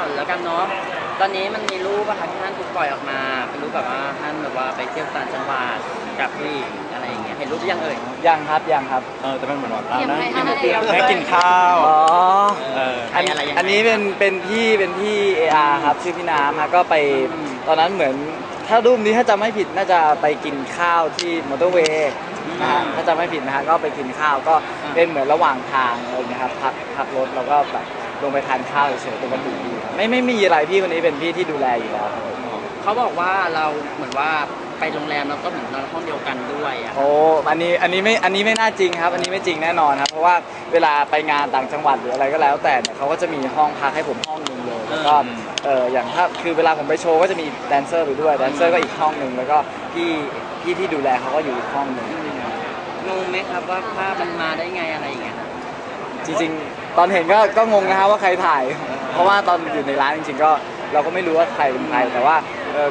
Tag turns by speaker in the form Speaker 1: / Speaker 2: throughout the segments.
Speaker 1: าวแล้วกันเนาะตอนนี้มันมีรูปอะค่ะที่ท่านถูกปล่อยออกมาเป็นรูปแบบว่าท่านแบบว่าไปเที่ยวต่างจังหวัดกับผู้หญิงอะไรอย่างเงี้ยเห็นรูปยังเอ่ย
Speaker 2: ยังครับยังครับ
Speaker 3: แต่มันเหมือนว่า
Speaker 4: นั่ง
Speaker 3: กินข้าว
Speaker 2: อ๋ออันนี้เป็นพี่เออาร์ครับชื่อพี่น้ำฮะก็ไปตอนนั้นเหมือนถ้ารูปนี้ถ้าจำไม่ผิดน่าจะไปกินข้าวที่มอเตอร์เวย์นะฮะถ้าจำไม่ผิดนะฮะก็ไปกินข้าวก็เป็นเหมือนระหว่างทางอะไรนะครับพักรถแล้วก็แบบลงไปทานข้าวเฉยๆปกติดีไม่มีอะไรพี่คนนี้เป็นพี่ที่ดูแลอยู่แล้วครับ
Speaker 1: เขาบอกว่าเราเหมือนว่าไปโรงแรมแล้วก็เหมือนนอนห้องเดียวกันด้วยอ่ะ
Speaker 2: โอ้อันนี้ไม่น่าจริงครับอันนี้ไม่จริงแน่นอนครับเพราะว่าเวลาไปงานต่างจังหวัดหรืออะไรก็แล้วแต่เนี่ยเขาก็จะมีห้องพักให้ผมห้องนึงเลยแล้วก็อย่างถ้าคือเวลาผมไปโชว์ก็จะมีแดนเซอร์ไปด้วยแดนเซอร์ก็อีกห้องนึงแล้วก็พี่ที่ดูแลเขาก็อยู่อีกห้องนึง
Speaker 1: งงไหมครับว่าภาพมันมาได้ไงอะไรอย่างเงี้ย
Speaker 2: จริงๆตอนเห็นก็งงนะครับว่าใครถ่ายเพราะว่าตอนอยู่ในร้านจริงๆก็เราก็ไม่รู้ว่าใครเป็นใครแต่ว่า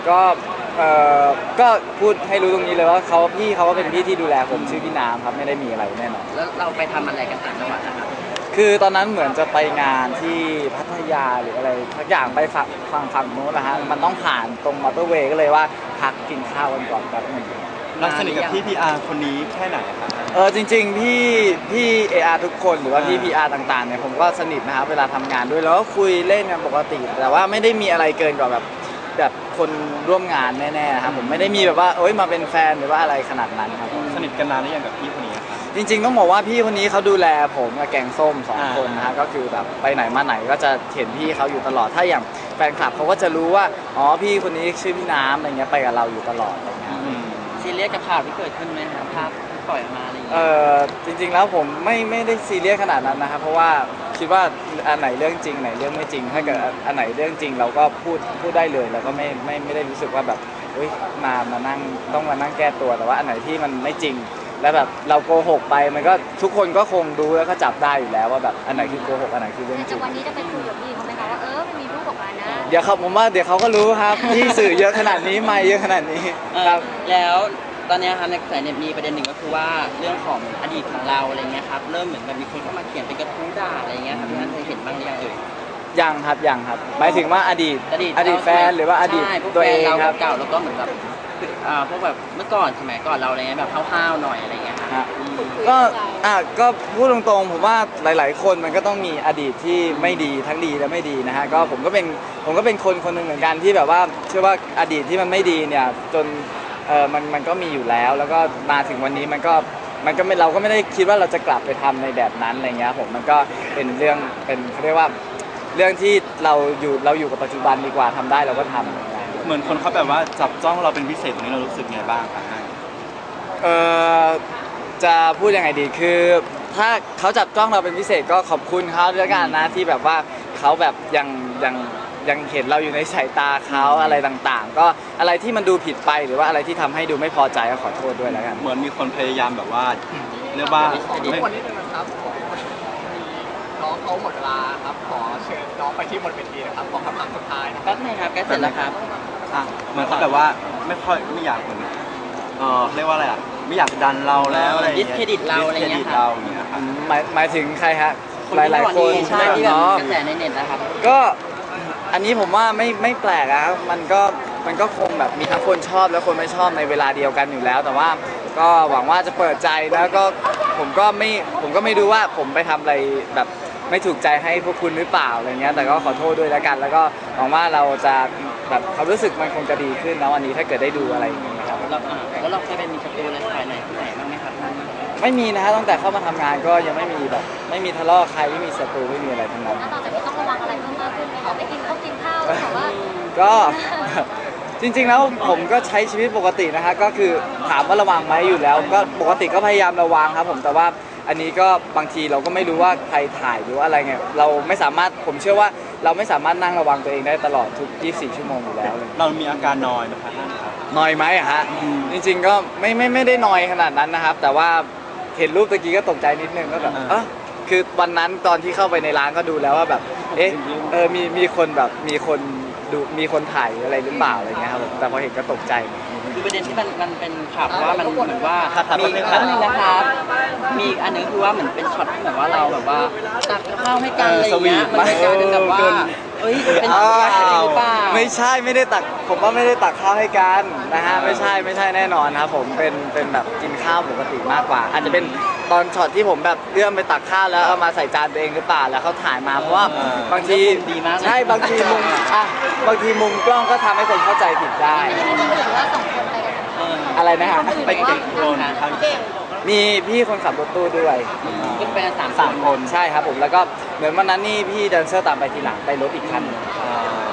Speaker 2: ก็พูดให้รู้ตรงนี้เลยว่าพี่เขาก็เป็นพี่ที่ดูแลผมชื่อพี่น้ำครับไม่ได้มีอะไรแน่นอน
Speaker 1: แล้วเราไปทำอะไรกันต่างจังหวัดนะครับ
Speaker 2: คือตอนนั้นเหมือนจะไปงานที่พัทยาหรืออะไรทักอย่างไปฝั่งโน้นนะฮะมันต้องผ่านตรงมอเตอร์เวย์ก็เลยว่าพักกินข้าวกันก่อนแป๊บนึง
Speaker 3: เราสนิทกับพี่พีอาร์คนนี้แค่ไหนครับ
Speaker 2: จริงๆพี่เออาร์ทุกคนหรือว่าพี่พีอาร์ต่างๆเนี่ยผมก็สนิทนะครับเวลาทำงานด้วยแล้วก็คุยเล่นกันปกติแต่ว่าไม่ได้มีอะไรเกินกว่าแบบคนร่วมงานแน่ๆนะครับผมไม่ได้มีแบบว่ามาเป็นแฟนหรือว่าอะไรขนาดนั้นครับ
Speaker 3: สนิทกันนานหรือยังกับพี่คนนี้ครับ
Speaker 2: จริงๆต้องบอกว่าพี่คนนี้เขาดูแลผมกับแกงส้ม2คนนะฮะก็คือแบบไปไหนมาไหนก็จะเห็นพี่เขาอยู่ตลอดถ้าอย่างแฟนคลับเขาก็จะรู้ว่าอ๋อพี่คนนี้ชื่อพี่น้ำอะไรเงี้ยไปกับเราอยู่ตลอดอะไรเงี้ย
Speaker 1: ซีเรียสกับข่าวที่เกิดขึ้นไหมครับภาพปล่อยออกมาอะไรอย่างเงี้
Speaker 2: ยจริงๆแล้วผมไม่ได้ซีเรียสขนาดนั้นนะครับเพราะว่าคิดว่าอันไหนเรื่องจริงไหนเรื่องไม่จริงถ้าเกิดอันไหนเรื่องจริงเราก็พูดได้เลยแล้วก็ไม่ได้รู้สึกว่าแบบมานั่งต้องมานั่งแก้ตัวแต่ว่าอันไหนที่มันไม่จริงแล้วแบบเราโกหกไปมันก็ทุกคนก็คงดูแล้วก็จับได้อยู่แล้วว่าแบบอันไหนคือโกหกอันไหนคือเรื่องจริง
Speaker 4: วันนี้จะไปคุยกับพี่เขาไหมคะว่ามันมีรูปออกมานะ
Speaker 2: เดี๋ยวผมว่าเดี๋ยวเขาก็รู้ครับที่สื่อเยอะขนาดนี้ไม่เยอะขนาดนี้ครับ
Speaker 1: แล้วตอนนี้ครับในกระแสเนี่ยมีประเด็นหนึ่งก็คือว่าเรื่องของอดีตของเราอะไรเงี้ยครับเริ่มเหมือนแบบมีคนเข้ามาเขียนเป็นกระทู้ด่าอะไรเงี้ยครับพี่ท่านเคยเห็นบ้างหรือยังเอ่ย
Speaker 2: ยังครับหมายถึงว่าอดีตแฟนหรือว่าอดีตตัวเองครับ
Speaker 1: เก่าแล้วก็เหมือนแบบพวกแบบเมื่อก่อนสมัยก่อนเราอะไรเงี้ยแบบห้าวๆหน่อยอะไรเงี้ยครับ
Speaker 2: ก็พูดตรงๆผมว่าหลายๆคนมันก็ต้องมีอดีตที่ไม่ดีทั้งดีและไม่ดีนะฮะก็ผมก็เป็นคนหนึ่งเหมือนกันที่แบบว่าเชื่อว่าอดีตที่มันไม่ดีเนี่ยจนมันก็มีอยู่แล้วแล้วก็มาถึงวันนี้มันก็ไม่เราก็ไม่ได้คิดว่าเราจะกลับไปทำในแบบนั้นอะไรเงี้ยผมมันก็เป็นเรื่องเขาเรียกว่าเรื่องที่เราอยู่กับปัจจุบันดีกว่าทำได้เราก็ทำ
Speaker 3: เหมือนคนเขาแบบว่าจับจ้องเราเป็นพิเศษตรงนี้เรารู้สึกไงบ้างครับ
Speaker 2: จะพูดยังไงดีคือถ้าเขาจับจ้องเราเป็นพิเศษก็ขอบคุณเขาด้วยกันนะที่แบบว่าเขาแบบยังเห็นเราอยู่ในสายตาเขาอะไรต่างๆก็อะไรที่มันดูผิดไปหรือว่าอะไรที่ทำให้ดูไม่พอใจก็ขอโทษด้วยแล้วกัน
Speaker 3: เหมือนมีคนพยายามแบบว่าเรียกว่า
Speaker 5: ทุกคนนิดนึงนะครับน้องเขาหมดเวลาครับขอเชิญน้องไปที่บนเวทีนะครับขอคำถามสุดท้ายนะ
Speaker 1: แป๊บนึงครับใกล้เสร็จแล้วครับ
Speaker 3: เหมือนเขาแบบว่าไม่อยากเหมือนเรียกว่าอะไรไม่อยากดันเราแล้วอะไร
Speaker 1: ดิสเครดิตเราอะไรเงี้ยครับ
Speaker 2: หมายถึงใครฮะหลายๆคน
Speaker 1: ใช่ที่แบบกระแสในเน็ตนะครับ
Speaker 2: ก็อันนี้ผมว่าไม่แปลกนะครับมันก็คงแบบมีทั้งคนชอบและคนไม่ชอบในเวลาเดียวกันอยู่แล้วแต่ว่าก็หวังว่าจะเปิดใจแล้วก็ผมก็ไม่รู้ว่าผมไปทำอะไรแบบไม่ถูกใจให้พวกคุณหรือเปล่าอะไรเงี้ยแต่ก็ขอโทษด้วยแล้วกันแล้วก็หวังว่าเราจะแบบความรู้สึกมันคงจะดีขึ้นนะวันนี้ถ้าเกิดได้ดูอะไรอย่างเงี้ยครับ
Speaker 1: แล้วเราเคยเป็นมีศัตรูอะไรฝ่ายไหนที่ไหนบ้างไหมครับ
Speaker 2: ไม่มีนะฮะตั้งแต่เข้ามาทำงานก็ยังไม่มีแบบไม่มีทะเลาะใครไม่มีศัตรูไม่มีอะไรทั้งนั้น
Speaker 4: ต่อจากนี้ต้องระวังอะไรเพิ่มมากขึ้นไหมคะไปกินข้าวแต่ว่า
Speaker 2: ก็จริงๆแล้วผมก็ใช้ชีวิตปกตินะฮะก็คือถามว่าระวังไหมอยู่แล้วก็ปกติก็พยายามระวังครับผมแต่ว่าอันนี้ก็บางทีเราก็ไม่รู้ว่าใครถ่ายหรือว่าอะไรไงเราไม่สามารถผมเชื่อว่าเราไม่สามารถนั่งระวังตัวเองได้ตลอดทุก24ชั่วโมงอยู่แล้วเลย
Speaker 3: เรามีอาการนอยไหมครับท่านครับ
Speaker 2: นอยไหมอะฮะจริงๆก็ไม่ได้นอยขนาดนั้นนะครับแต่ว่าเห็นรูปตะกี้ก็ตกใจนิดนึงก็แบบคือวันนั้นตอนที่เข้าไปในร้านก็ดูแล้วว่าแบบมีคนแบบมีคนถ่ายอะไรหรือเปล่าอะไรเงี้ยครับแต่พอเห็นก็ตกใจ
Speaker 1: คือประเด็นที่มันเป็นข่าวว่ามันเหมือนว่ามีอันนึงนะครับมีอันนึงคือว่าเหมือนเป็นช็อตที่เหมือนว่าเราแบบว่าตักข้าวให้กันอะไรเงี้ยมันเป็นการแบบว่าเอ้ยเป็นอย่างนี้หรือเปล่า
Speaker 2: ไม่ใช่ไม่ได้ตักผมว่าไม่ได้ตักข้าวให้กันนะฮะไม่ใช่แน่นอนครับผมเป็นแบบกินข้าวปกติมากกว่า อาจจะเป็นตอนช็อตที่ผมแบบเลื่อมไปตักข้าวแล้วเอามาใส่จานตัวเองหรือเปล่าแล้วเขาถ่ายมาเพราะว่าบางที
Speaker 1: ดีมากเลย
Speaker 2: ใช่บางทีมุมบางทีมุมกล้องก็ทำให้คนเข้าใจผิดได้
Speaker 4: อันนี้คือถือว่าสองคนไปกัน
Speaker 2: อะไรนะฮะ
Speaker 3: ไปเก็บโคลนครับ
Speaker 2: มีพี่คนขับรถตู้ด้วย
Speaker 1: ขึ้นไปกัน
Speaker 2: สาม
Speaker 1: สาม
Speaker 2: คนใช่ครับผมแล้วก็เหมือนวันนั้นนี่พี่แดนเซอร์ตามไปทีหลังไปรถอีกคันหนึ่ง